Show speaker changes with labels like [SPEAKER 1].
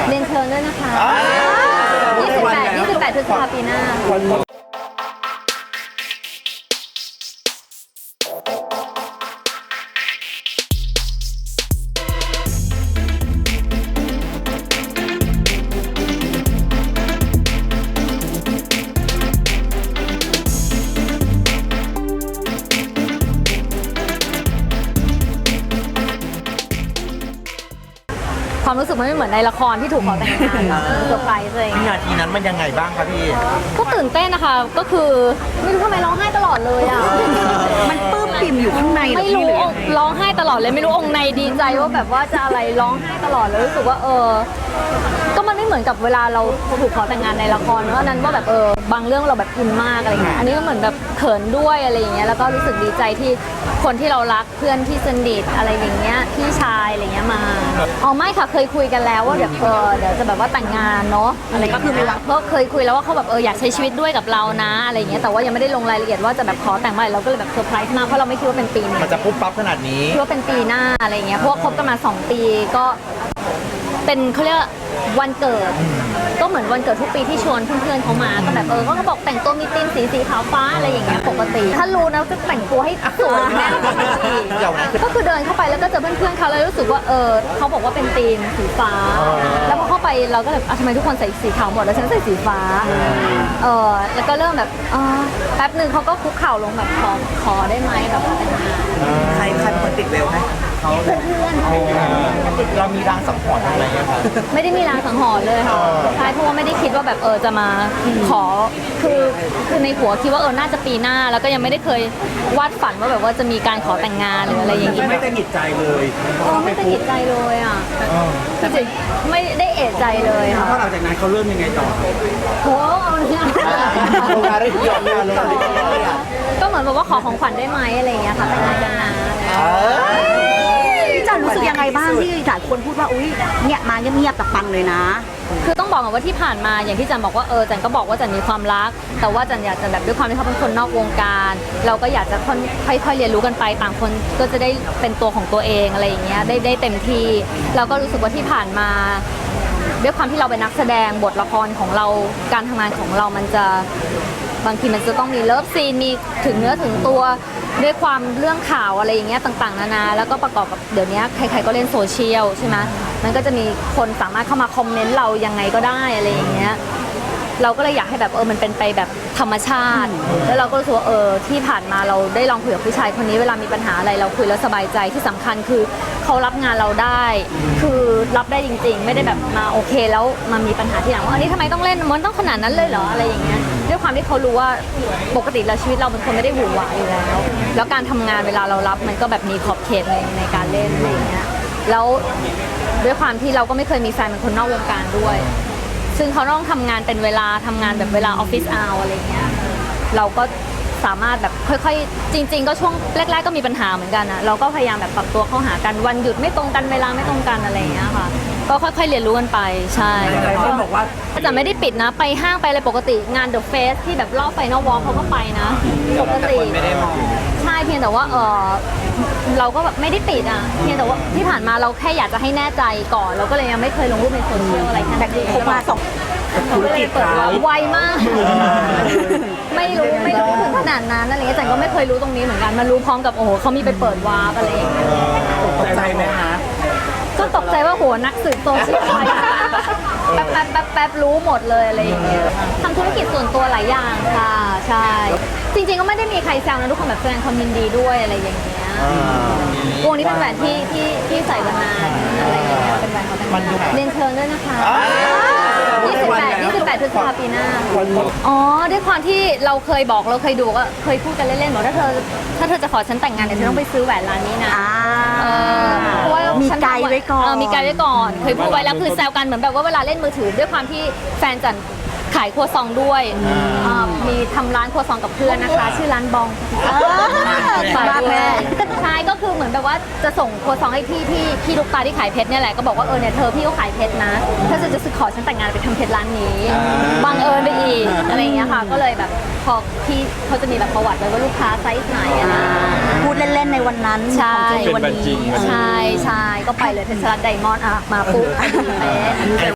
[SPEAKER 1] เรียนเชิญด้วยนะคะ28พฤษภาคมปีหน้าความรู้สึกมันไม่เหมือนในละครที่ถูกขอแต่งงานเซอร์ไพรส์เลย
[SPEAKER 2] วินาทีนั้นมันยังไงบ้างครับพี่
[SPEAKER 1] ก็ตื่นเต้นนะคะก็คือไม่รู้ทำไมร้องไห้ตลอดเลยอ่ะ
[SPEAKER 3] มันปลื้มปิ่มอยู่ข้างใน
[SPEAKER 1] ไม่รู้ร้องไห้ตลอดเลยไม่รู้องค์ในดีใจว่าแบบว่าจะอะไรร้องไห้ตลอดเลยรู้สึกว่าก็มันไม่เหมือนกับเวลาเราถูกขอแต่งงานในละครเพราะนั้นว่าแบบบางเรื่องเราแบบอินมากอะไรเงี้ยอันนี้ก็เหมือนแบบเขินด้วยอะไรอย่างเงี้ยแล้วก็รู้สึกดีใจที่คนที่เรารักเพื่อนที่สนิทอะไรอย่างเงี้ยพี่ชายอะไรเงี้ยมาไม่ค่ะเคยคุยกันแล้วว่าเดี๋ยวจะแบบว่าแต่งงานเนาะอะไรก็คือเพราะเคยคุยแล้วว่าเขาแบบอยากใช้ชีวิตด้วยกับเรานะอะไรเงี้ยแต่ว่ายังไม่ได้ลงรายละเอียดว่าจะแบบขอแต่งเมื่อไหร่เราก็เลยแบบเซอร์ไพรส์มากเพราะเราไม่คิดว่าเป็นปีนี้
[SPEAKER 2] มันจะปุ๊บปั๊บขนาดนี้
[SPEAKER 1] คิดว่าเป็นปีหน้าอะไรเงี้ยเพราะว่าคบกันมา2 ปีก็เป็นเขาเรียกวันเกิดก็เหมือนวันเกิดทุกปีที่ชวนเพื่อนๆเขามาก็แบบเขาก็บอกแต่งตัวมีธีมสีขาวฟ้าอะไรอย่างเงี้ยปกติถ้ารู้นะจะแต่งตัวให้สวยแน่นอนก็คือเดินเข้าไปแล้วก็เจอเพื่อนๆเขาแล้วรู้สึกว่าเขาบอกว่าเป็นธีมสีฟ้าแล้วพอเข้าไปเราก็แบบทำไมทุกคนใส่สีขาวหมดแล้วฉันใส่สีฟ้าแล้วก็เริ่มแบบแป๊บนึงเขาก็คุกเข่าลงแบบขอได้ไหมแบบแต่งงาน
[SPEAKER 2] ใครเป็นคนติดเร็วให้เขา
[SPEAKER 1] เพื่อน
[SPEAKER 2] เรามีรางสังหรณ์อะไรไหมครับ
[SPEAKER 1] ไม่ได้มีรางสังหรณ์เลยค่ะใช่เพราะว่าไม่ได้คิดว่าแบบจะมาขอคือในหัวคิดว่าน่าจะปีหน้าแล้วก็ยังไม่ได้เคยวาดฝันว่าแบบว่าจะมีการขอแต่งงานหรืออะไรอย่างงี้
[SPEAKER 2] ไม่ได้หงิดใจเลย
[SPEAKER 1] ไม่ได้หงิดใจเลยอ่ะจริงๆไม่ได้เอะใจเลยค่ะ
[SPEAKER 2] เพราะหลังจากนั้นเขาเริ่มยังไงต่อ
[SPEAKER 1] โอ้เอาเนี่ยก็เหมือนแบบว่าขอของขวัญได้ไหมอะไรอย่างเงี้ยค่ะแต่งงานกันนะ
[SPEAKER 3] พี่จันรู้สึกยังไงบ้างที่หลายคนพูดว่าอุ้ยเนี่ยมาเงียบๆแต่ปังเลยนะ
[SPEAKER 1] คือต้องบอกว่าที่ผ่านมาอย่างที่จันบอกว่าจันก็บอกว่าจันมีความรักแต่ว่าจันอยากจะแบบด้วยความที่เขาเป็นคนนอกวงการเราก็อยากจะค่อยๆเรียนรู้กันไปต่างคนก็จะได้เป็นตัวของตัวเองอะไรอย่างเงี้ยได้เต็มที่เราก็รู้สึกว่าที่ผ่านมาด้วยความที่เราเป็นนักแสดงบทละครของเราการทำงานของเรามันจะบางทีมันจะต้องมีเลิฟซีนมีถึงเนื้อถึงตัวด้วยความเรื่องข่าวอะไรอย่างเงี้ยต่างๆนานาแล้วก็ประกอบกับเดี๋ยวนี้ใครๆก็เล่นโซเชียลใช่ไหมมันก็จะมีคนสามารถเข้ามาคอมเมนต์เรายังไงก็ได้อะไรอย่างเงี้ยเราก็เลยอยากให้แบบมันเป็นไปแบบธรรมชาติแล้วเราก็รู้สึกว่าที่ผ่านมาเราได้ลองคุยกับผู้ชายคนนี้เวลามีปัญหาอะไรเราคุยแล้วสบายใจที่สำคัญคือเขารับงานเราได้คือรับได้จริงๆไม่ได้แบบมาโอเคแล้วมามีปัญหาที่หลังว่าอันนี้ทำไมต้องเล่นมันต้องขนาดนั้นเลยเหรออะไรอย่างเงี้ยด้วยความที่เขารู้ว่าปกติแล้วชีวิตเราเป็นคนไม่ได้หวือหวาอยู่แล้วการทำงานเวลาเรารับมันก็แบบมีขอบเขตในการเล่นอะไรอย่างเงี้ยแล้วด้วยความที่เราก็ไม่เคยมีแฟนเป็นคนนอกวงการด้วยซึ่งเขาต้องทำงานเป็นเวลาทำงานแบบเวลาออฟฟิศเอาอะไรเงี้ยเราก็สามารถแบบค่อยๆจริงๆก็ช่วงแรกๆก็มีปัญหาเหมือนกันนะเราก็พยายามแบบปรับตัวเข้าหากันวันหยุดไม่ตรงกันเวลาไม่ตรงกันอะไรเงี้ยค่ะก็ค่อยๆเรียนรู้กันไปใช่
[SPEAKER 2] เขาบอกว่า
[SPEAKER 1] จะไม่ได้ปิดนะไปห้างไปอะไรปกติงานเดอะเฟสที่แบบรอบไฟนอลวอล์กเขาก็ไปนะปกติ
[SPEAKER 2] ไม่ได้มอง
[SPEAKER 1] ใช่เพียงแต่ว่าเราก็แบบไม่ได้ปิดอ่ะเพียงแต่ว่าที่ผ่านมาเราแค่อยากจะให้แน่ใจก่อนเราก็เลยยังไม่เคยลงรูปในโซเชียลอะไรแค่นั้นเอง
[SPEAKER 3] มาส่ง
[SPEAKER 1] ธุรกิจไวมากไม่รู้ถึงขนาดนั้นอะไรเงี้ยจันก็ไม่เคยรู้ตรงนี้เหมือนกันมารู้พร้อมกับเขามีไปเปิดวาร์ปอะไรอย่างเงี้ย
[SPEAKER 2] ตกใจไหมคะ
[SPEAKER 1] ก็ตกใจว่านักสืบโซเชียลแป๊บรู้หมดเลยอะไรอย่างเงี้ยทำธุรกิจส่วนตัวหลายอย่างค่ะใช่จริงๆก็ไม่ได้มีใครแซวนะทุกคนแบบแสดงความยินดีด้วยอะไรอย่างเงี้ยวงนี้เป็นแหวนที่ใส่มานานอะไรอย่างเงี้ยเป็นแหวนของแต่งงานเรียนเชิญด้วยนะคะ28พฤษภาคมปีหน้าด้วยความที่เราเคยบอกเราเคยดูก็เคยพูดกันเล่นๆบอกถ้าเธอจะขอฉันแต่งงานเดี๋ยวเธอต้องไปซื้อแหวนร้านนี้นะเพราะว่า
[SPEAKER 3] มีไกด์ไว้ก่อน
[SPEAKER 1] มีไกด์ไว้ก่อนเคยพูดไว้แล้วคือแซวกันเหมือนแบบว่าเวลาเล่นมือถือด้วยความที่แฟนจันขายครัวซองด้วยมีทำร้านครัวซองกับเพื่อนนะคะชื่อร้านบอง
[SPEAKER 3] ฝากแม่
[SPEAKER 1] ใช่ก็คือเหมือนแบบว่าจะส่งครัวซองให้พี่ลูกตาที่ขายเพชรเนี่ยแหละก็บอกว่าเนี่ยเธอพี่ก็ขายเพชรนะถ้าจะขอฉันแต่งงานไปทำเพชรร้านนี้บังเอิญไปอีกอะไรอย่างเงี้ยค่ะก็เลยแบบพอพี่เขาจะมีแบบประวัติไว้ว่าลูกค้าไซส์ไหนนะ
[SPEAKER 3] พูดเล่นๆในวันนั้น
[SPEAKER 1] ใช่
[SPEAKER 3] วันนี้
[SPEAKER 1] ใช่ก็ไปเลยเพชรรัตน์ไดมอนด์มาปุ๊บ